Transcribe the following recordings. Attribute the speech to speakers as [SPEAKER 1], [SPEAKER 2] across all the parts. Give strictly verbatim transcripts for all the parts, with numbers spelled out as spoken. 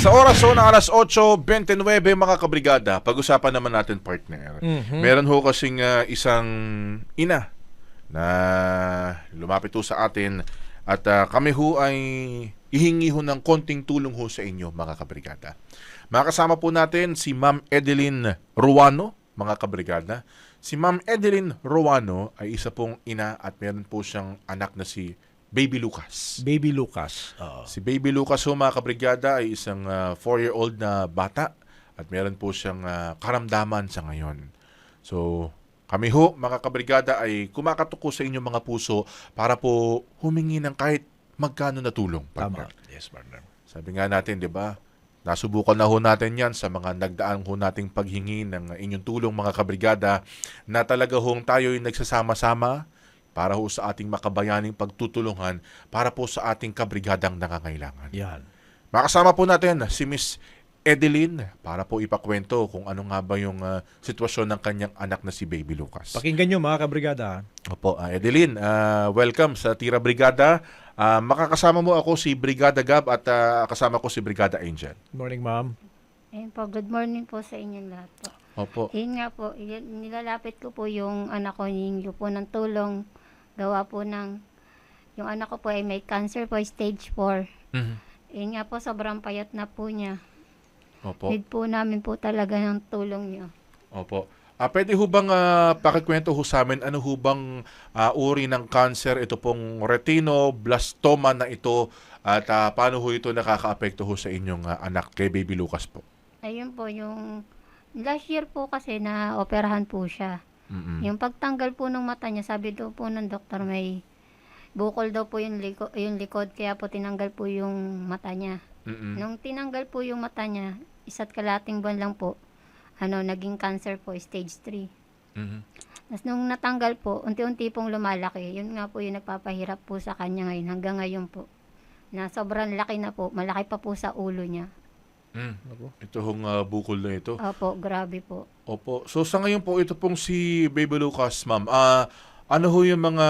[SPEAKER 1] Sa oras ho na alas otso twenty-nine mga kabrigada, pag-usapan naman natin partner.
[SPEAKER 2] Mhm.
[SPEAKER 1] Meron ho kasing ah, isang ina na lumapit ho sa atin at ah, kami ho ay hihingi ho ng konting tulong ho sa inyo mga kabrigada. Makasama po natin si Ma'am Edeline Ruano, mga kabrigada. Si Ma'am Edeline Ruano ay isa pong ina at meron po siyang anak na si Baby Lucas.
[SPEAKER 2] Baby Lucas. Oo.
[SPEAKER 1] Si Baby Lucas ho mga kabrigada ay isang four-year-old na bata at meron po siyang ah, karamdaman sa ngayon. So, kami ho mga kabrigada ay kumakatok sa inyong mga puso para po humingi ng kahit magkano na tulong.
[SPEAKER 2] Tama.
[SPEAKER 1] partner.
[SPEAKER 2] Yes, partner.
[SPEAKER 1] Sabi nga natin, di ba? Nasubukan na ho natin yan sa mga nagdaan ho nating paghingi ng inyong tulong mga kabrigada na talaga hong tayo'y nagsasama-sama para ho sa ating makabayaning pagtutulungan para po sa ating kabrigadang nangangailangan.
[SPEAKER 2] Yan.
[SPEAKER 1] Makasama po natin si Miss Edeline para po ipakwento kung ano nga ba yung ah, sitwasyon ng kanyang anak na si Baby Lucas.
[SPEAKER 2] Pakinggan nyo mga kabrigada.
[SPEAKER 1] Opo, ah, Edeline, ah, welcome sa Tira Brigada. Ah, makakasama mo ako si Brigada Gab at ah, kasama ko si Brigada Angel.
[SPEAKER 2] Good morning, ma'am.
[SPEAKER 3] Ayun po, good morning po sa inyong lahat po.
[SPEAKER 1] Opo.
[SPEAKER 3] Ayun nga po, y- nilalapit ko po yung anak ko, hihingi po ng tulong. Gawa po ng, yung anak ko po ay may cancer po, stage four.
[SPEAKER 1] Mhm.
[SPEAKER 3] Ayun nga po, sobrang payat na po niya.
[SPEAKER 1] Opo.
[SPEAKER 3] Need po namin po talaga ng tulong niyo.
[SPEAKER 1] Opo. Ah, pwede ho bang ah, pakikwento ho sa amin ano ho bang ah, uri ng cancer ito pong retinoblastoma na ito at ah, paano ho ito nakakaapekto ho sa inyong ah, anak kay Baby Lucas po?
[SPEAKER 3] Ayun po, yung last year po kasi na operahan po siya.
[SPEAKER 1] Mm-mm.
[SPEAKER 3] Yung pagtanggal po ng mata niya, sabi daw po ng doktor may bukol daw po yung, liko, yung likod, kaya po tinanggal po yung mata niya.
[SPEAKER 1] Mm-mm.
[SPEAKER 3] Nung tinanggal po yung mata niya, isa't kalating buwan lang po, ano, naging cancer po, stage three.
[SPEAKER 1] Mhm.
[SPEAKER 3] Tapos nung natanggal po, unti-unti pong lumalaki. Yun nga po yung nagpapahirap po sa kanya ngayon, hanggang ngayon po. Na sobrang laki na po, malaki pa po sa ulo niya.
[SPEAKER 1] Mm. Ito hong ah, bukol na ito.
[SPEAKER 3] Opo, grabe po.
[SPEAKER 1] Opo. So sa ngayon po, ito pong si Baby Lucas, ma'am. Ah, ano ho yung mga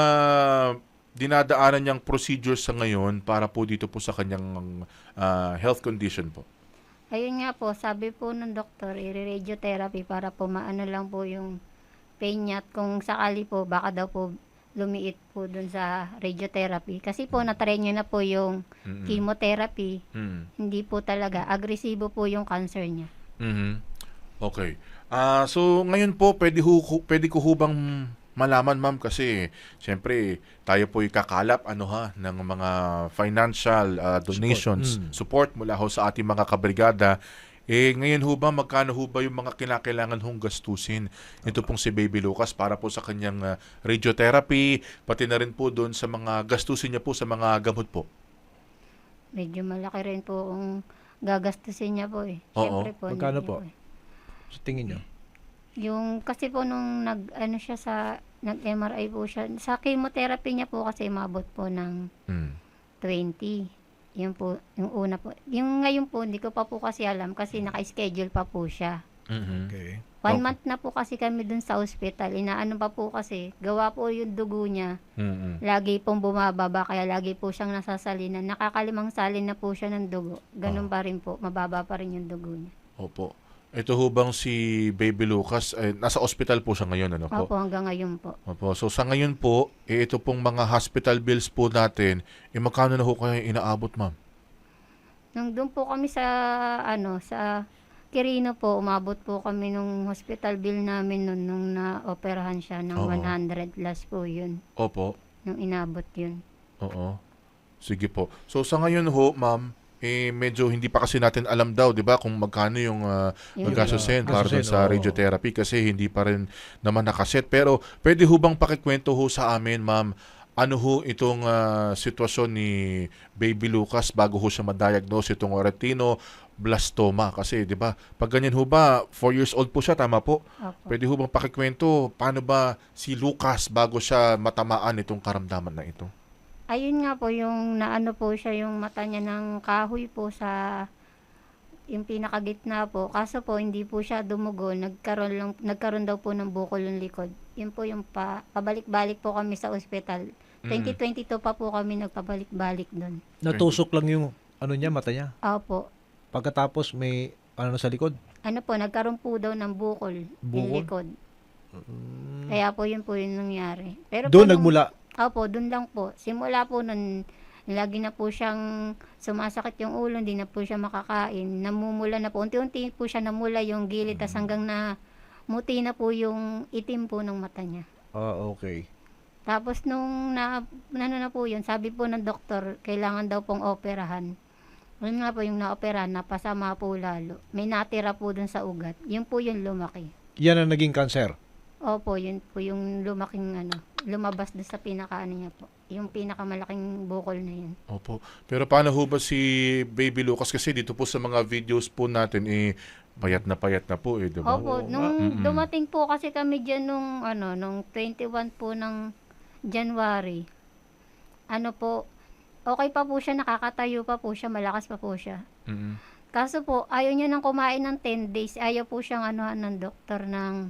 [SPEAKER 1] dinadaanan niyang procedures sa ngayon para po dito po sa kanyang ah, health condition po?
[SPEAKER 3] Ayun nga po, sabi po ng doktor, i-radiotherapy para po maano lang po yung pain niya. At kung sakali po, baka daw po lumiit po dun sa radiotherapy. Kasi po, natry niyo na po yung
[SPEAKER 1] Mm-mm.
[SPEAKER 3] chemotherapy.
[SPEAKER 1] Mm.
[SPEAKER 3] Hindi po talaga. Agresibo po yung cancer niya.
[SPEAKER 1] Mhm. Okay. Ah, so ngayon po pwede ho ho- pwede ko hubang malaman ma'am kasi siyempre tayo po kakalap ano ha ng mga financial ah, donations,
[SPEAKER 2] Mm.
[SPEAKER 1] support mula ho sa ating mga kabrigada. Eh ngayon ho ba magkano ho ba yung mga kinakailangan hong gastusin ito pong si Baby Lucas para po sa kanyang ah, radiotherapy pati na rin po doon sa mga gastusin niya po sa mga gamot po?
[SPEAKER 3] Medyo malaki rin po ang gagastusin niya po eh.
[SPEAKER 1] Oo.
[SPEAKER 3] Siyempre po.
[SPEAKER 2] Magkano
[SPEAKER 3] hindi
[SPEAKER 2] po?
[SPEAKER 3] eh.
[SPEAKER 2] Sa tingin nyo.
[SPEAKER 3] Yung kasi po nung nag ano siya sa nag-M R I po siya. Sa chemotherapy niya po kasi mabot po ng
[SPEAKER 1] Mm.
[SPEAKER 3] twenty. Yun po, yung una po. Yung ngayon po, hindi ko pa po kasi alam kasi naka-schedule pa po siya.
[SPEAKER 1] Mhm.
[SPEAKER 2] Okay.
[SPEAKER 3] One
[SPEAKER 1] Okay.
[SPEAKER 3] month na po kasi kami dun sa hospital. Inaano pa po kasi, gawa po yung dugo niya.
[SPEAKER 1] Mhm.
[SPEAKER 3] Lagi pong bumababa, kaya lagi po siyang nasasalinan. Nakakalimang salin na po siya ng dugo. Ganun pa rin po, mababa pa rin yung dugo niya.
[SPEAKER 1] Opo. Ito ho bang si Baby Lucas, eh, nasa ospital po siya ngayon, ano po?
[SPEAKER 3] Opo, hanggang ngayon po.
[SPEAKER 1] Opo. So sa ngayon po, eh, ito pong mga hospital bills po natin, eh magkano na ho kayo inaabot, ma'am?
[SPEAKER 3] Nung doon po kami sa, ano, sa Quirino po, umabot po kami nung hospital bill namin nun, nung na-operahan siya ng
[SPEAKER 1] Oo.
[SPEAKER 3] one hundred plus po yun.
[SPEAKER 1] Opo.
[SPEAKER 3] Nung inabot yun.
[SPEAKER 1] Oo. Sige po. So sa ngayon ho, ma'am, eh medyo hindi pa kasi natin alam daw, 'di ba, kung magkano yung uh,
[SPEAKER 3] Yung-
[SPEAKER 1] magastusin para dun
[SPEAKER 2] gastusin,
[SPEAKER 1] sa
[SPEAKER 2] oo.
[SPEAKER 1] radiotherapy kasi hindi pa rin naman nakaset. Pero pwede ho bang pakikwento ho sa amin, ma'am, ano ho itong ah, sitwasyon ni Baby Lucas bago ho siya ma-diagnose itong retinoblastoma kasi 'di ba? Pag ganyan ho ba, four years old po siya, tama po?
[SPEAKER 3] Opo.
[SPEAKER 1] Pwede ho bang pakikwento paano ba si Lucas bago siya matamaan itong karamdaman na ito?
[SPEAKER 3] Ayun nga po, yung naano po siya, yung mata niya ng kahoy po sa yung pinakagitna po. Kaso po, hindi po siya dumugo. Nagkaroon, lang, nagkaroon daw po ng bukol yung likod. Yun po yung pa, pabalik-balik po kami sa ospital. twenty twenty-two pa po kami nagpabalik-balik doon.
[SPEAKER 2] Natusok lang yung ano niya, mata niya.
[SPEAKER 3] Opo.
[SPEAKER 2] Pagkatapos may ano sa likod?
[SPEAKER 3] Ano po, nagkaroon po daw ng bukol, yung
[SPEAKER 2] Bukol?
[SPEAKER 3] likod.
[SPEAKER 2] Mm.
[SPEAKER 3] Kaya po yun po yung nangyari. Pero
[SPEAKER 2] Doon
[SPEAKER 3] po nung-
[SPEAKER 2] nagmula.
[SPEAKER 3] Opo, doon lang po. Simula po nun, lagi na po siyang sumasakit yung ulo, hindi na po siya makakain. Namumula na po. Unti-unti po siya namula yung gilid, tas hanggang na muti na po yung itim po ng mata niya.
[SPEAKER 2] Ah, okay.
[SPEAKER 3] Tapos nung na, ano na po yun, sabi po ng doktor, kailangan daw pong operahan. Yun nga po yung naoperahan, napasama po lalo. May natira po dun sa ugat. Yun po yung lumaki.
[SPEAKER 2] Yan ang naging cancer.
[SPEAKER 3] Opo, yun po yung lumaking ano, lumabas doon sa pinaka ano niya po. Yung pinakamalaking bukol na yun.
[SPEAKER 1] Opo. Pero paano ho ba si Baby Lucas? Kasi dito po sa mga videos po natin, eh, payat na payat na po, eh, di ba?
[SPEAKER 3] Opo,
[SPEAKER 2] Oo
[SPEAKER 3] nung
[SPEAKER 1] Mm-mm.
[SPEAKER 3] dumating po kasi kami dyan nung ano, nung twenty-one po ng January. Ano po, okay pa po siya, nakakatayo pa po siya, malakas pa po siya.
[SPEAKER 1] Mm-mm.
[SPEAKER 3] Kaso po, ayaw niya nang kumain ng ten days. Ayaw po siyang anuhan ng doktor ng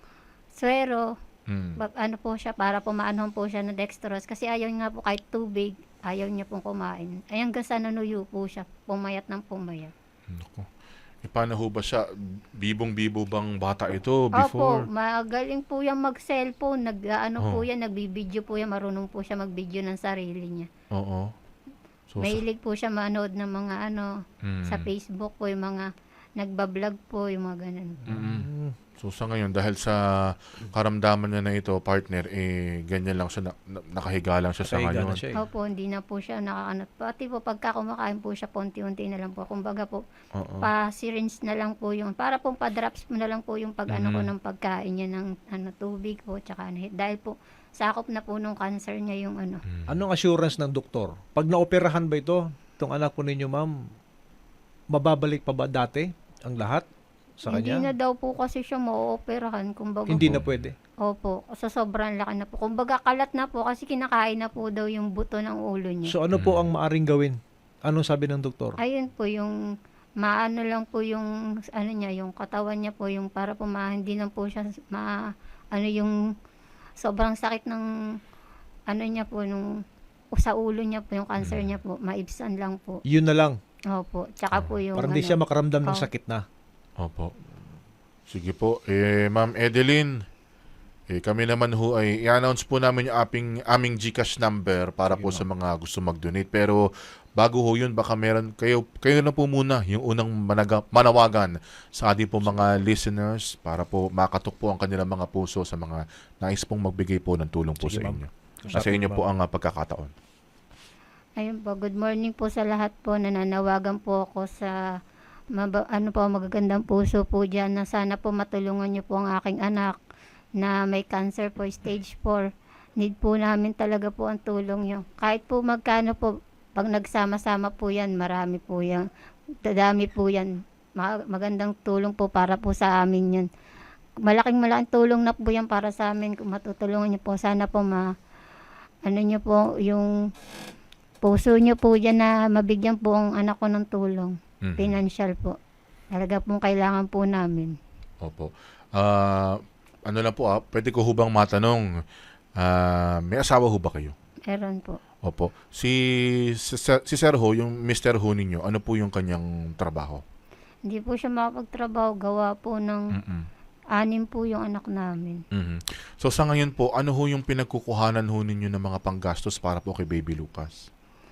[SPEAKER 3] swero.
[SPEAKER 1] Mm.
[SPEAKER 3] Ba- ano po siya, para pumaanong po siya ng dextrose. Kasi ayaw niya po kahit tubig, ayaw niya pong kumain. Ay hanggang sa nanuyo po siya, pumayat ng pumayat.
[SPEAKER 1] Naku. Eh, paano ho ba siya? Bibong-bibo bang bata ito
[SPEAKER 3] Opo,
[SPEAKER 1] before?
[SPEAKER 3] magaling po yan mag-cellphone, nag, ano
[SPEAKER 1] Oh.
[SPEAKER 3] po yan, nagbibideo po yan, marunong po siya mag-video ng sarili niya.
[SPEAKER 1] Oo. So, sa-
[SPEAKER 3] Mahilig po siya manood ng mga ano,
[SPEAKER 1] Mm.
[SPEAKER 3] sa Facebook po, yung mga nagbablog po, yung mga ganun.
[SPEAKER 1] Mm-mm.
[SPEAKER 2] Mm.
[SPEAKER 1] So sa ngayon, dahil sa karamdaman niya na ito, partner, eh, ganyan lang siya, na, na- nakahiga lang siya sa
[SPEAKER 2] Nakahiga
[SPEAKER 1] ngayon.
[SPEAKER 2] na siya eh.
[SPEAKER 3] Opo, hindi na po siya nakakanat. Pati po pagka kumakain po siya, unti-unti na lang po. Kumbaga po,
[SPEAKER 1] Oo.
[SPEAKER 3] pa-syringe na lang po yung, para pong pa-drops mo na lang po yung pag ano ko
[SPEAKER 1] Mhm.
[SPEAKER 3] ng pagkain niya ng ano, tubig po, tsaka ano, dahil po, sakop na po nung cancer niya yung ano.
[SPEAKER 1] Mm.
[SPEAKER 2] Anong assurance ng doktor? Pag naoperahan ba ito, itong anak po ninyo, ma'am, mababalik pa ba dati ang lahat sa
[SPEAKER 3] Hindi na
[SPEAKER 2] kanya?
[SPEAKER 3] daw po kasi siya ma-operahan, kumbaga.
[SPEAKER 2] Hindi
[SPEAKER 1] Opo.
[SPEAKER 2] na pwede.
[SPEAKER 3] Opo, sa sobrang laki na po. Kumbaga kalat na po kasi kinakain na po daw yung buto ng ulo niya.
[SPEAKER 2] So ano po
[SPEAKER 1] Mm.
[SPEAKER 2] ang maaring gawin? Anong sabi ng doktor?
[SPEAKER 3] Ayun po yung maano lang po yung ano niya, yung katawan niya po yung para po ma, hindi na po siya ma ano yung sobrang sakit ng ano niya po nung sa ulo niya po yung cancer niya po, maibsan lang po.
[SPEAKER 2] Yun na lang.
[SPEAKER 3] Opo, tsaka po yung
[SPEAKER 2] Para
[SPEAKER 3] ano,
[SPEAKER 2] hindi siya makaramdam ng
[SPEAKER 3] Oh.
[SPEAKER 2] sakit na.
[SPEAKER 1] Opo. Sige po. Eh, Ma'am Edeline, eh, kami naman ho ay i-announce po namin yung aming, aming GCash number para
[SPEAKER 2] Sige,
[SPEAKER 1] po
[SPEAKER 2] ma'am.
[SPEAKER 1] sa mga gusto mag-donate. Pero bago ho yun, baka meron, kayo, kayo na po muna yung unang managa, manawagan sa ating po mga listeners para po makatok po ang kanilang mga puso sa mga nais pong magbigay po ng tulong po
[SPEAKER 2] Sige,
[SPEAKER 1] sa
[SPEAKER 2] ma'am.
[SPEAKER 1] inyo. Nasa inyo po ang ah, pagkakataon.
[SPEAKER 3] ayun po, good morning po sa lahat po. Nananawagan po ako sa maba, ano po, magagandang puso po dyan na sana po matulungan niyo po ang aking anak na may cancer po, stage four. Need po namin talaga po ang tulong niyo. Kahit po magkano po, pag nagsama-sama po yan, marami po yan. Dadami po yan. Ma- magandang tulong po para po sa amin yan. Malaking malaking tulong na po yan para sa amin. Kung matutulungan niyo po, sana po ma, ano niyo po, yung puso niyo po dyan na mabigyan po ang anak ko ng tulong.
[SPEAKER 1] Mhm.
[SPEAKER 3] Financial po. Talaga pong kailangan po namin.
[SPEAKER 1] Opo. Ah, ano lang po ah, pwede ko hubang matanong, ah, may asawa ho ba kayo?
[SPEAKER 3] Meron po.
[SPEAKER 1] Opo. Si, si, si Sir Ho, yung mister Ho ninyo, ano po yung kanyang trabaho?
[SPEAKER 3] Hindi po siya makapagtrabaho. Gawa po ng
[SPEAKER 1] Mm-mm.
[SPEAKER 3] anim po yung anak namin.
[SPEAKER 1] Mhm. So sa ngayon po, ano ho yung pinagkukuhanan ho ninyo ng mga panggastos para po kay Baby Lucas?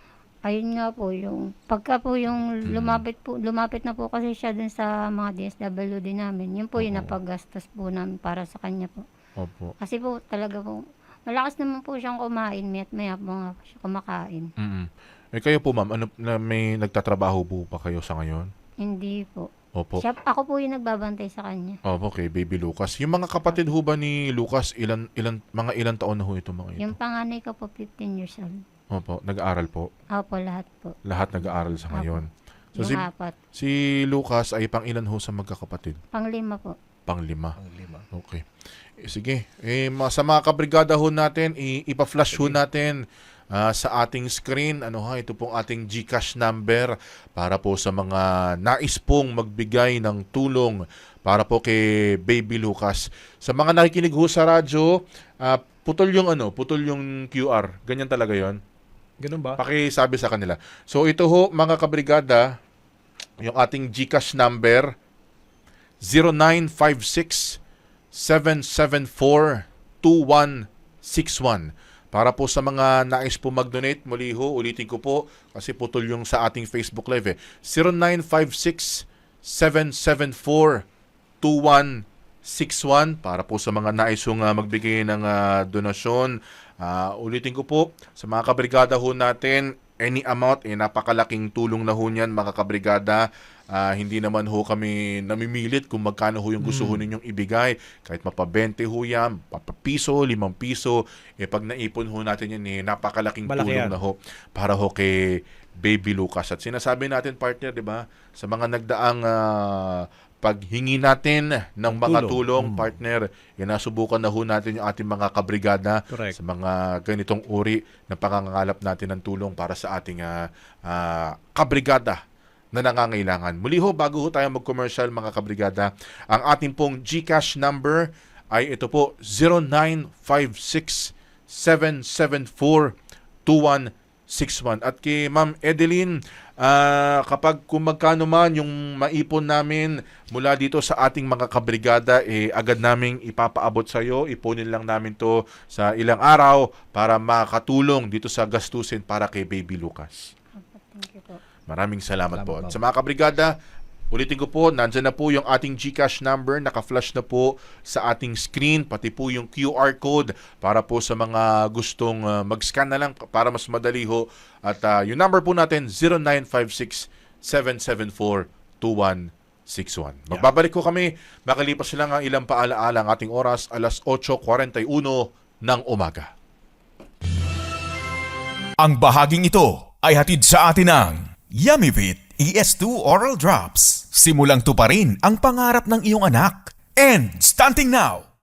[SPEAKER 3] Ayun nga po yung pagka po yung
[SPEAKER 1] Mm.
[SPEAKER 3] lumapit po lumapit na po kasi siya dun sa mga D S W D namin. Yun po yung
[SPEAKER 1] Oo.
[SPEAKER 3] napaggastos po namin para sa kanya po.
[SPEAKER 1] Opo.
[SPEAKER 3] Kasi po talaga po malakas naman po siyang kumain, mayat maya po nga po siya kumakain.
[SPEAKER 1] Mm. Eh kayo po ma'am, ano na may nagtatrabaho po pa kayo sa ngayon?
[SPEAKER 3] Hindi po.
[SPEAKER 1] Opo.
[SPEAKER 3] Siya, ako po yung nagbabantay sa kanya.
[SPEAKER 1] Opo, kay Baby Lucas. Yung mga kapatid ho ba ni Lucas, ilan ilan mga ilan taon na ho ito mga ito?
[SPEAKER 3] Yung panganay ko po fifteen years old.
[SPEAKER 1] Opo, nag-aaral po.
[SPEAKER 3] Opo, lahat po.
[SPEAKER 1] Lahat nag-aaral sa ngayon. So
[SPEAKER 3] Yung
[SPEAKER 1] si,
[SPEAKER 3] apat.
[SPEAKER 1] si Lucas ay pang ilan ho sa magkakapatid?
[SPEAKER 3] Panglima po.
[SPEAKER 1] Panglima.
[SPEAKER 2] Ang lima.
[SPEAKER 1] Okay. Eh, sige. Eh, ma- sa mga kabrigada ho natin, i- ipa-flash ho natin ah, sa ating screen. Ano ha, ito pong ating GCash number para po sa mga nais pong magbigay ng tulong para po kay Baby Lucas. Sa mga nakikinig ho sa radyo, ah, putol yung ano, putol yung Q R. Ganyan talaga yon.
[SPEAKER 2] Ganun ba?
[SPEAKER 1] Pakisabi sa kanila. So ito ho, mga kabrigada, yung ating GCash number zero nine five six seven seven four two one six one. Para po sa mga nais po mag-donate, muli ho, ulitin ko po kasi putol yung sa ating Facebook Live eh. zero nine five six seven seven four two one six one para po sa mga nais hong uh, magbigay ng uh, donasyon. Uh, ulitin ko po, sa mga kabrigada ho natin, any amount, eh, napakalaking tulong na ho niyan mga kabrigada. Uh, hindi naman ho kami namimilit kung magkano ho yung gusto ho ninyong ibigay. Kahit mapabente ho yan, papapiso, limang piso, eh pag naipon ho natin yan, eh, napakalaking
[SPEAKER 2] Malaki
[SPEAKER 1] tulong
[SPEAKER 2] yan.
[SPEAKER 1] na ho para ho kay Baby Lucas. At sinasabi natin, partner, di ba, sa mga nagdaang uh, paghingi natin ng mga tulong,
[SPEAKER 2] Tulong. Mm.
[SPEAKER 1] partner, yan nasubukan na ho natin yung ating mga kabrigada
[SPEAKER 2] Correct.
[SPEAKER 1] sa mga ganitong uri na pangangalap natin ng tulong para sa ating uh, uh, kabrigada na nangangailangan. Muli ho, bago ho tayo mag-commercial mga kabrigada, ang ating pong GCash number ay ito po, zero nine five six seven seven four two one six one. At kay Ma'am Edeline, ah, kapag kung magkano man yung maipon namin mula dito sa ating mga kabrigada, eh, agad naming ipapaabot sa iyo. Ipunin lang namin to sa ilang araw para makatulong dito sa gastusin para kay Baby Lucas.
[SPEAKER 3] Thank you po.
[SPEAKER 1] Maraming salamat,
[SPEAKER 2] Salamat,
[SPEAKER 1] po.
[SPEAKER 2] ma'am.
[SPEAKER 1] Sa mga kabrigada, ulitin ko po, nandyan na po yung ating GCash number, naka-flash na po sa ating screen, pati po yung Q R code para po sa mga gustong uh, mag-scan na lang para mas madali ho. At uh, yung number po natin, zero nine five six seven seven four two one six one. Magbabalik ko kami, makalipas lang ang ilang paalaala ang ating oras, alas eight forty-one ng umaga.
[SPEAKER 4] Ang bahaging ito ay hatid sa atin ng Yummyvit E S two Oral Drops. Simulang tuparin ang pangarap ng iyong anak. And stunting now!